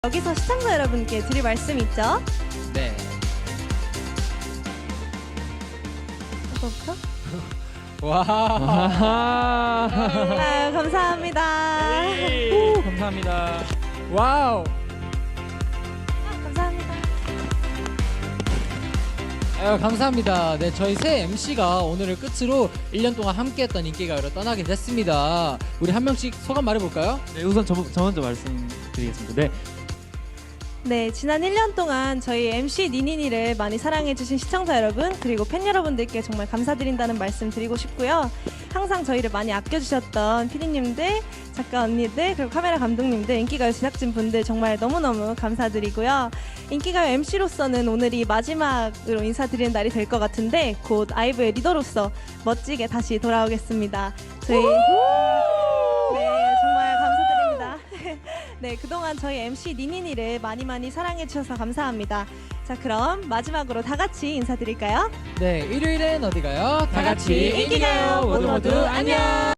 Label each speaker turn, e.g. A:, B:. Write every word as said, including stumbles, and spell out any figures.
A: 여기서 시청자 여러분께 드릴 말씀이 있죠?
B: 네.
A: 이거부터?
B: 와.
A: 아유, 감사합니다.
B: 오, 감사합니다. 와우.
A: 아, 감사합니다.
B: 아유, 감사합니다. 네, 저희 새 엠씨가 오늘을 끝으로 일 년 동안 함께했던 인기가요로 떠나게 됐습니다. 우리 한 명씩 소감 말해볼까요?
C: 네, 우선 저, 저 먼저 말씀드리겠습니다. 네.
A: 네, 지난 일 년 동안 저희 엠씨 니니니를 많이 사랑해주신 시청자 여러분, 그리고 팬 여러분들께 정말 감사드린다는 말씀 드리고 싶고요. 항상 저희를 많이 아껴주셨던 피디님들, 작가 언니들, 그리고 카메라 감독님들, 인기가요 제작진 분들 정말 너무너무 감사드리고요. 인기가요 엠씨로서는 오늘이 마지막으로 인사드리는 날이 될 것 같은데 곧 아이브의 리더로서 멋지게 다시 돌아오겠습니다. 저희 네, 정말 감사드립니다. 네, 그동안 저희 엠씨 니니니를 많이 많이 사랑해주셔서 감사합니다. 자, 그럼 마지막으로 다 같이 인사드릴까요?
B: 네, 일요일엔 어디 가요? 다 같이 인기가요. 모두 모두 안녕.